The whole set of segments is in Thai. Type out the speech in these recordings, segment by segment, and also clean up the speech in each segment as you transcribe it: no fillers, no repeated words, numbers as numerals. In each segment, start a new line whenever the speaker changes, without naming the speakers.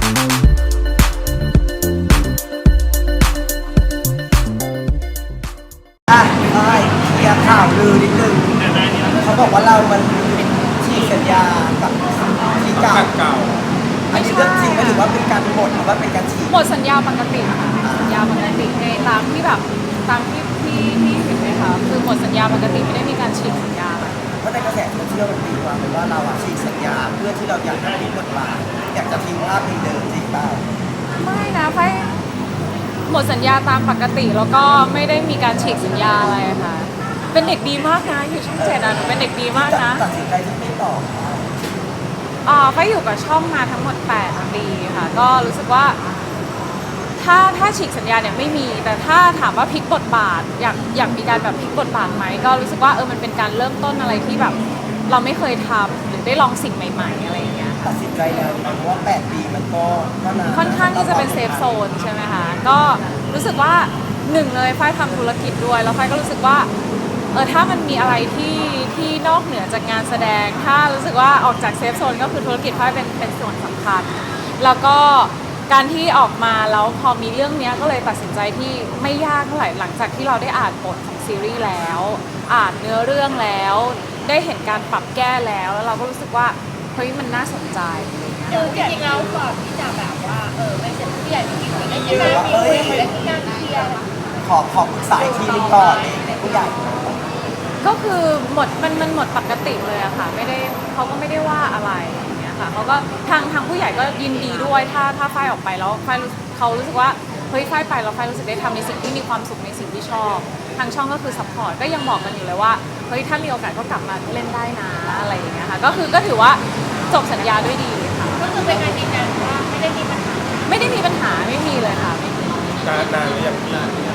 อ่ะใช่อยากข่าวลือนิดนึงเขาบอกว่าเรามันฉีกสัญญากับที่เก่าอันนี้เรื่องจริงไหมหรือว่าเป็นการหมดหรือว่าเป็นการฉีก
หมดสัญญาปกติค่ะสัญญาปกติในตามที่แบบตามที่เห็นไหมคะคือหมดสัญญาปกติไม่ได้มีการฉีกสัญญาอะไร
เพราะในกระแสโซเชียลมันตีความเป็นว่าเราฉีกสัญญาเพื่อที่เราอยากจะทิ้งบทบาทอยากจะทิ้งภาพเดิมจริงเปล่า
ไม่นะไฟหมดสัญญาตามปกติแล้วก็ไม่ได้มีการฉีกสัญญาอะไรค่ะเป็นเด็กดีมากนะอยู่ช่อง7อ่ะหนูเป็นเด็กดีมากนะ
ตัดสินใจที่ไม่ต่อ
ไฟอยู่กับช่องมาทั้งหมด8 ปีค่ะก็รู้สึกว่าถ้าฉีกสัญญาเนี่ยไม่มีแต่ถ้าถามว่าพลิกบทบาทอยากมีการแบบพลิกบทบาทไหมก็รู้สึกว่ามันเป็นการเริ่มต้นอะไรที่แบบเราไม่เคยทำหรือได้ลองสิ่งใหม่ๆอะไรอย่างเงี้ย
ตัดสินใจแล้วเพราะว่า8 ปีมันก็นาน
ค่อนข้างที่จะเป็นเซฟโซนใช่ไหมคะก็รู้สึกว่าหนึ่งเลยฝ้ายทำธุรกิจด้วยแล้วฝ้ายก็รู้สึกว่าถ้ามันมีอะไรที่นอกเหนือจากงานแสดงถ้ารู้สึกว่าออกจากเซฟโซนก็คือธุรกิจฝ้ายเป็นส่วนสำคัญแล้วก็การที่ออกมาแล้วพอมีเรื่องนี้ก็เลยตัดสินใจที่ไม่ยากเท่าไหร่หลังจากที่เราได้อ่านบทของซีรีส์แล้วอ่านเนื้อเรื่องแล้วได้เห็นการปรับแก้แล้วเราก็รู้สึกว่าเฮ้ยมันน่าสนใจ
จริงๆแล้วก่อนที่จะแบบว่าไม่เสร็จผู้ใหญ่จริงๆได้ยินไหมมีได้งานเคลียร์
ขอปรึกษาอีกทีนึงก่อนในผู้ใหญ่
ก็คือมันหมดปกติเลยอะค่ะไม่ได้เขาก็ไม่ได้ว่าอะไรอย่างเงี้ยค่ะเขาก็ทางผู้ใหญ่ก็ยินดีด้วยถ้าฝ้ายออกไปแล้วฝ้ายเขารู้สึกว่าเฮ้ยฝ้ายไปแล้วฝ้ายรู้สึกได้ทำในสิ่งที่มีความสุขในสิ่งที่ชอบทางช่องก็คือซัพพอร์ตก็ยังบอกกันอยู่เลยว่าเฮ้ยถ้ามีโอกาสก็กลับมาเล่นได้นะอะไรอย่างเงี้ยค่ะก็ถือว่าจบสัญญาด้วยดีค่ะ
ก็คือเป็นการยืนยันว่าไม่ได้มีปัญหา
ไม่มีเลยค่ะไม่มี
นานหรือยังพี่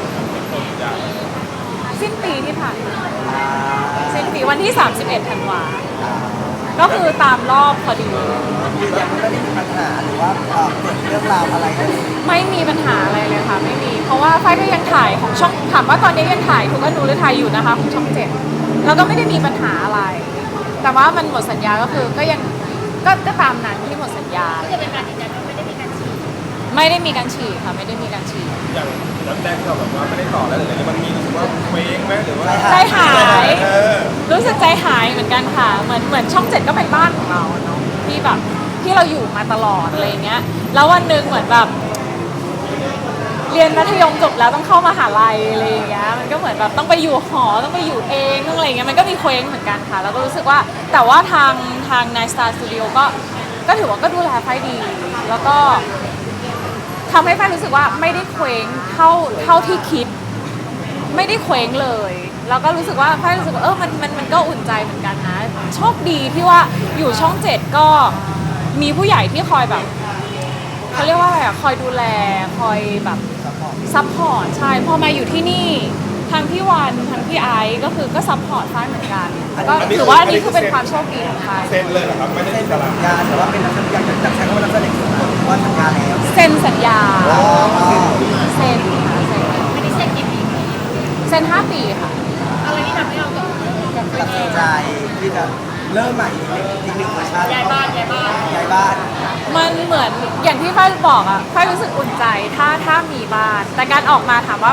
สิ้นปีที่ผ่านมาสิ้นปีวันที่31 ธันวาก็คือตามรอบพอดี
ยืนยันไม่ได้มีปัญหาหรือว่าเกิดเรื่องราวอะไร
ไม่มีปัญหาอะไรเลยค่ะไม่มีเพราะว่าฝ้ายก็ยังถ่ายของช่องถามว่าตอนนี้ยังถ่ายทุกอนูหรือถ่ายอยู่นะคะของช่อง7แล้วก็ไม่ได้มีปัญหาอะไรแต่ว่ามันหมดสัญญาก็คือก็ยังก็ตามนั้นที่หมดสัญญา
ก็จะเป็นการยืนยันว่าไม่ได้มีการฉีก
ค่ะไม่ได้มีการฉีก
อย่างนัดแรกที่เราแบบว่าไม่ได้ต่อแล้วหรืออะไรมันมีรู้สึกว่าเว้งไหมหรือว่า
ใจหายรู้สึกใจหายเหมือนกันค่ะเหมือนช่อง7ก็เป็นบ้านของเราเนาะที่แบบที่เราอยู่มาตลอดอะไรเงี้ยแล้ววันหนึ่งเหมือนแบบเรียนมัธยมจบแล้วต้องเข้ามหาลัยอะไรอย่างเงี้ยมันก็เหมือนแบบต้องไปอยู่หอต้องไปอยู่เองต้องอะไรเงี้ยมันก็มีเคว้งเหมือนกันค่ะแล้วก็รู้สึกว่าแต่ว่าทางNight Star Studioก็ถือว่าก็ดูแลไฟดีแล้วก็ทำให้ไฟรู้สึกว่าไม่ได้เคว้งเท่าที่คิดไม่ได้เคว้งเลยแล้วก็รู้สึกว่าไฟรู้สึกว่ามันก็อุ่นใจเหมือนกันนะโชคดีที่ว่าอยู่ช่อง7ก็มีผู้ใหญ่ที่คอยแบบเขาเรียกว่าอะไรอะคอยดูแลคอยแบบซัพพอร์ตใช่พอมาอยู่ที่นี่ทางพี่วันทางพี่ไอซ์ก็คือก็ซัพพอร์ตไฟเหมือนกันก็ถือว่านี่คือเป็นความโชคดีของไฟ
เซ็นเลยเหรอครับไม่ได้
สัญญาแต่ว่าเป็นนักแสดงจากใช้คำว่านักแสดงว่าสัญญาแล้ว
เซ็นสัญญาเซ็นค่ะเซ็น
ไม่ได้เซ็นกี่ปี
เซ็น5 ปีค่ะ
อะไรที่ทำให้เรา
ตัดสินใจที่จะเริ่มใหม่อีกหนึ่งเวอร์ชัน
ย้ายบ้าน
มันเหมือนอย่างที่ฝ้ายบอกอะฝ้ายรู้สึกอุ่นใจถ้ามีบ้านแต่การออกมาถามว่า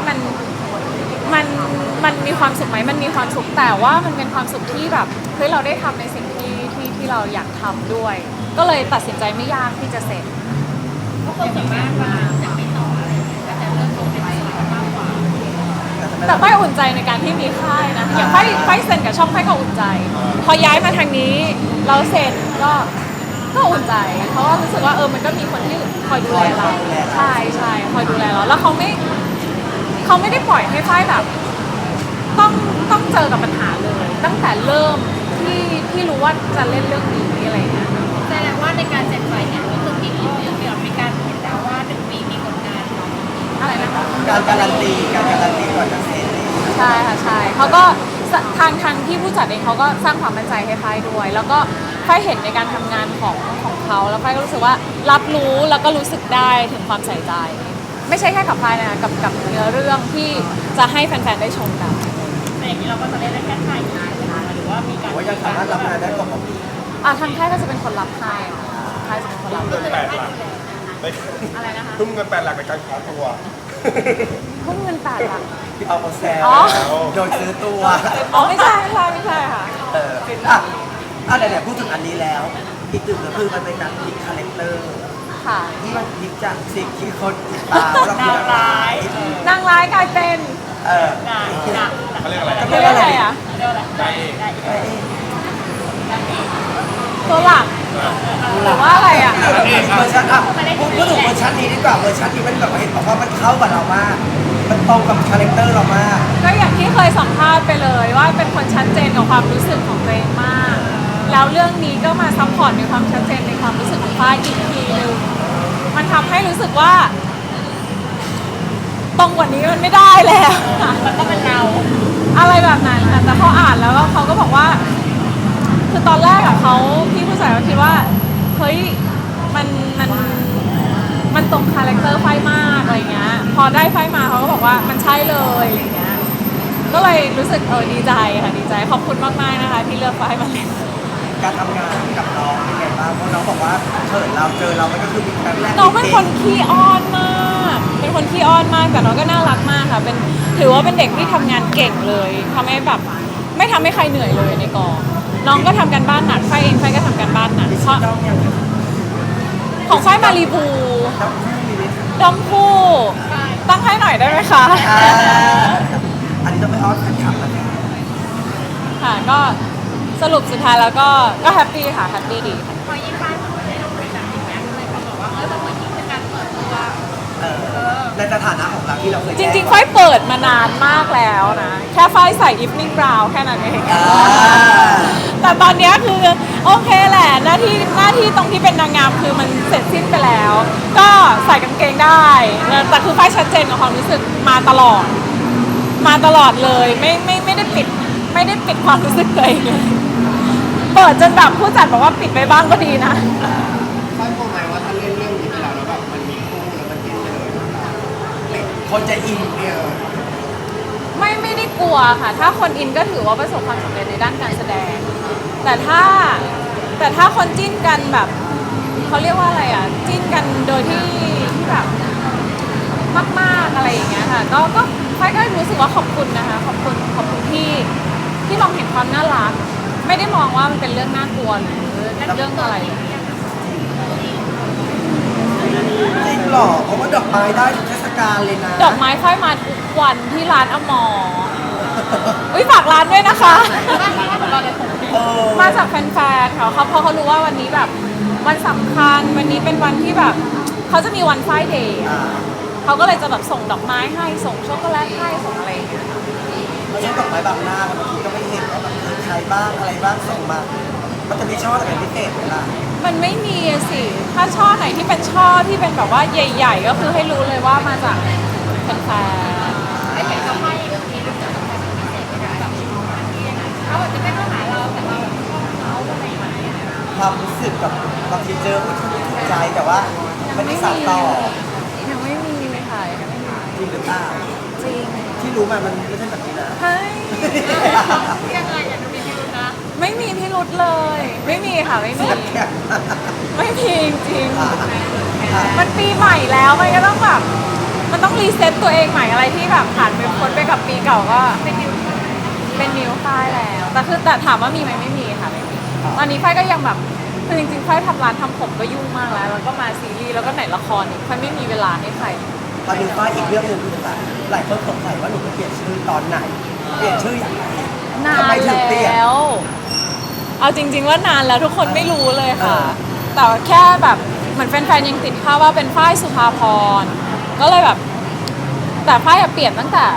มันมีความสุขไหมมันมีความสุขแต่ว่ามันเป็นความสุขที่แบบเฮ้ยเราได้ทำในสิ่งที่เราอยากทำด้วยก็เลยตัดสินใจไม่ยากที่จะเซ็น
เพราะคนส่วนมากมาจะไม่ต่ออะไรก็จะเริ่มต้นเป็นสายมากกว่า
แต่ฝ้ายอุ่นใจในการที่มีค่ายนะอย่างฝ้ายเซ็นกับช่องฝ้ายก็อุ่นใจพอย้ายมาทางนี้เราเซ็นก็อุ่นใจเพราะว่ารู้สึกว่ามันก็มีคนที่คอยดูแลเราใช่คอยดูแลเราแล้วเขาไม่ได้ปล่อยให้ฝ้ายแบบต้องเจอกับปัญหาเลยตั้งแต่เริ่มที่รู้ว่าจะเล่นเรื่องนี้อะไรเงี้ย
แสดงว่าในการเซ็นไฟเนี่ยก็คือมีการเห็นแล้วว่า1 ปีมีผลงาน
อะไรนะคะ
การการันตีก่อนจะเซ็น
ใช่ค่ะใช่เขาก็ทางที่ผู้จัดเองเขาก็สร้างความมั่นใจให้ฝ้ายด้วยแล้วก็ฝ้ายเห็นในการทำงานของเขาแล้วฝ้ายก็รู้สึกว่ารับรู้แล้วก็รู้สึกได้ถึงความใส่ใจไม่ใช่แค่กับฝ้ายนะกับเนื้อเรื่องที่จะให้แฟนๆได้ชมกัน
แต่อย่างนี้เราก็จะเล่นได้แค่ไทยหรือว่ามีการ
ว่ายังสามารถรับงานได้ปกติ
ทางค่ายก็จะเป็นคนรับให้ค่ายจะเป็นคนรับ
8 หลัก
อะไรนะคะ
ทุ่มเงิน8 หลักในการขอตัว
พุ่งเงิน8 หลัก
พี่เอามาแซว
อ๋อ
โดนซื้อตัว
อ๋อไม่ใช่ค่ะ
ไหนๆพูดถึงอันนี้แล้ว อีกตึกก็คือมันเป็นการพลิกคาแรคเตอร์
ค่ะ
ที่มันพลิกจากสิ่งที่คนติดตามเราคืออะไร
นางร้ายกลายเป็น
เออ
เขาเรียกอะไร
เรียกว่าอะไรอ่ะ
ได้เอง
ตัวหลักหรือว่าอะไรอ่ะ
เวอร์ชันพูดถึงเวอร์ชันนี้ดีกว่าเวอร์ชันนี้มันแบบว่าเห็นบอกว่ามันเข้ากับเรามาก มันตรงกับคาแรคเตอร์เรามาก
ก็อย่างที่เคยสัมภาษณ์ไปเลยว่าเป็นคนชัดเจนกับความรู้สึกของตัวเองมาก แล้วเรื่องนี้ก็มาซัพพอร์ตในความชัดเจนในความรู้สึกของฝ้ายอีกทีนึงมันทำให้รู้สึกว่า ตรงกว่านี้มันไม่ได้แล้ว
มันก็เป็นเรา
อะไรแบบนั้นค่ะแต่พออ่านแล้วเขาก็บอกว่า คือตอนแรกอะเขาพี่ผู้ชายเขาคิดว่าเฮ้ยมันตรงคาแรคเตอร์ไฟมากอะไรเงี้ยพอได้ไฟมาเขาก็บอกว่ามันใช่เลยอะไรเงี้ยก็เลยรู้สึกดีใจค่ะดีใจขอบคุณมากๆนะคะที่เลือกไฟมาเล่น
การทำงานกับน้องเป็นไงบ้างเพราะน้องบอกว่าเขินเราเจอเรามันก็คือมีครั้งแรก
น้องเป็นคนขี้อ้อนมากเป็นคนขี้อ้อนมากแต่น้องก็น่ารักมากค่ะเป็นถือว่าเป็นเด็กที่ทำงานเก่งเลยทำให้แบบไม่ทำให้ใครเหนื่อยเลยในกองน้องก็ทำกันบ้านหนักไฟเองไฟก็ทำกันบ้านหนักเพราะ
น้องยัง
ของไฟมารีบู
น้องมีไหม
ดอมคู่ตั้งให้หน่อยได้ไหมคะ
อันนี้ต้องไปออสกันขับแล้วนะ
ค่ะก็สรุปสุดท้ายแล้วก็แฮปปี้ค่ะแฮปปี้ดีค่ะ
พอยิ่งบ้านเขาได้ลงไปจากอย่างเงี้ยเลยเขาบอกว่ามันเหมือนยิ่งเป็นการเปิดตัว
ในสถานะของเราที่เราเคย
จริงๆไฟเปิดมานานมากแล้วนะแค่ไฟใส่ evening brown แค่นั้นเองแต่ตอนเนี้ยคือโอเคแหละหน้าที่ตรงที่เป็นนางงามคือมันเสร็จสิ้นไปแล้ว ก็ใส่กางเกงได้แต่คือไฟชัดเจนกับความรู้สึกมาตลอดเลยไม่ได้ปิดความรู้สึกตัวเองเลยเปิดจนแบบผู้จัดบอกว่าปิดไปบ้างก็ดีนะ
ค่อยกลัวไหมว่าถ้าเล่นเรื่องนี้ไปแล้วแบบมันมีคู่แล้วมันติดเลย
คนจะอิน
เนี่ย
ไม่ได้กลัวค่ะ ถ้าคนอินก็ถือว่าประสบความสำเร็จในด้านการแสดง แต่ถ้าคนจิ้นกันแบบเขาเรียกว่าอะไรอ่ะจิ้นกันโดยที่แบบมากๆอะไรอย่างเงี้ยค่ะก็ไฟก็รู้สึกว่าขอบคุณนะคะขอบคุณที่มองเห็นความน่ารักไม่ได้มองว่ามันเป็นเรื่องน่ากลัวหรือเรื่องอะไร
จริงหรอเพราะว่าดอกไม้ได้ทุกเทศกาลเลยนะ
ดอกไม้ไฟมาทุกวันที่ร้านอมรฝากร้านด้วยนะคะ มาจากแฟนๆเขาเพราะเขารู้ว่าวันนี้แบบวันสำคัญวันนี้เป็นวันที่แบบเขาจะมีวันไฟเดย์ เขาก็เลยจะแบบส่งดอกไม้ให้ส่งช็อกโกแลตให้ส่งอะไรอย่างเงี้ยค่ะ
ไม่ใช่ดอกไม้บางหน้าบางทีก็ไม่เห็นว่าแบบมีใครบ้างอะไรบ้างส่งมา มันจะมีช่อแต่เป็นพิเศษเวลา
มันไม่มีอะสิ ถ้าช่อไหนที่เป็นช่อที่เป็นแบบว่าใหญ่ๆ ก็คือให้รู้เลยว่ามาจากแฟน
ไอ้เห็นเขาให้เรื่องนี้รู้จักกับใครเป็นพิเศษไหมคะแบบเขาอาจจะไม่เข้าหาเราแต่เราแบบชอบเขาอะไรอย่างเงี้ย
ความรู้สึกกับบางทีเจอคนที่ถูกใจแต่ว่าไม่ได้สานต่อ
ยังไม่มีเลยค่ะยังไม่มี
จริงหรือเปล่า
จริง
ที่รู้มามันไม่ใช่แบบนี้นะ
เฮ้ย
ยังไงอย่าดูมีพิรุธนะ
ไม่มีพิรุธเลย ไม่มีค่ะไม่มี ไม่มีจริงๆมันปีใหม่แล้วมันก็ต้องแบบมันต้องรีเซ็ตตัวเองใหม่อะไรที่แบบผ่านไปพ้นไปกับปีเก่าก็เป็นนิวค่ายแล้วแต่ถามว่ามีไหมไม่มีค่ะไม่มีตอนนี้ไฟก็ยังแบบคือจริงๆไฟทำร้านทำผมก็ยุ่งมากแล้วก็มาซีรีส์แล้วก็ไหนละครอีกไฟไม่มีเวลาให้ใคร
ตอนนี้ก็อีกเรื่องหนึ่งคือแบบหลายคนสงสัยว่าหนูจะเปลี่ยนชื่อตอนไหน เปลี่ยนชื่ออย่างไร
นาน
ทำไมถึงเปลี่ยน
แล้ว เอาจริง ๆ ว่านานแล้วทุกคนไม่รู้เลยค่ะ แต่แค่แบบเหมือนแฟนๆยังติดภาพว่าเป็นฝ้ายสุภาพรก็เลยแบบ แต่ฝ้ายอะเปลี่ยนตั้งแต่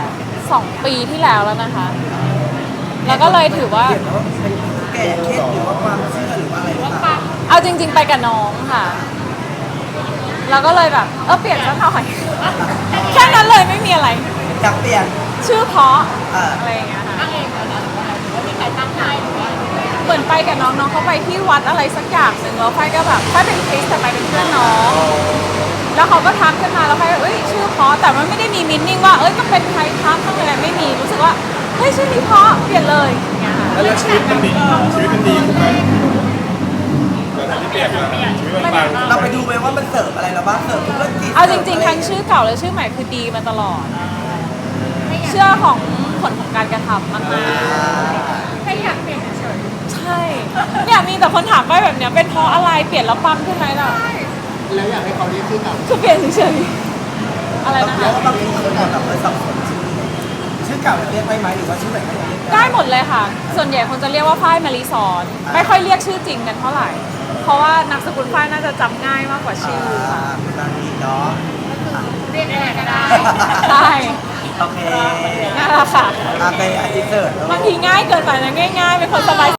2 ปีที่แล้วแล้วนะคะ แล้วก็เลยถือว่า
เปลี่ยนแล้วเป็นแก่เคสหรือว่าความเชื่อหรือว่าอะไรหรือเปล่า
เอาจริง ๆ ไปกับน้องค่ะ แล้วก็เลยแบบเปลี่ยนซะหน่อย แค่นั้นเลยไม่มีอะไร
อยากเปลี่ยน
ชื่อเพราะ
อ่า
อะไรอย่างเงี้ยค่ะ
ตั้งเองแล้วนะหรือว่ามีใครตั้งให้หรือว่า
เหมือนไปกับน้องเขาไปที่วัดอะไรสักอย่างหนึ่งแล้วไฟก็แบบไฟเป็นคริสแต่ไปเป็นเพื่อนน้อง แล้วเขาก็ทักขึ้นมาแล้วไฟก็ชื่อเพราะแต่มันไม่ได้มีมินนิ่งว่าต้องเป็นใครทักต้องอะไรไม่มีรู้สึกว่าเฮ้ยชื่อนี้เพราะเปลี่ยนเลยอย่างเงี้ยค่ะ
แล้วชีวิตมันดีขึ้นไหมหลังจากที่เปลี่ยนมาชีวิตมันปัง
เราไปดูไหมว่ามันเสิร์ฟอะไรเราบ้างเสริมธุรกิจ
เอาจริงๆทั้งชื่อเก่าและชื่อใหม่คือดีมาตลอด เชื่อของผลของการกระทำมาก
แค่อยากเปลี่ยนเฉย
ๆใช่เนี่ยมีแต่คนถามไปแบบเนี้ยเป็นเพราะอะไรเปลี่ยนแล้วปังขึ้นไหมล่ะ
แล้วอยากให้เขาเรียกชื่อเก่า
คือเปลี่ยนเฉยๆอะไรนะ
แล้ว
คะ
บางทีคนอาจแบบสับสนชื่อเก่าเรียกได้ไหมหรือว่าชื่อใหม่ก็ยังเรียก
ได้หมดเลยค่ะ ส่วนใหญ่คนจะเรียกว่าฝ้ายมารีสอนไม่ค่อยเรียกชื่อจริงกันเท่าไหร่ เพราะว่านามสกุลฝ้ายน่าจะจำง่ายมากกว่าชื่อค่ะ
ตอนนี้เนาะ
ๆเรียกอะไรก็ได้
ใช่
โอเค
นั่นแหละค่ะ
ไปอาทิตย์เสิร์ต
บางทีง่ายเกินไปนะง่ายๆเป็นคนสบาย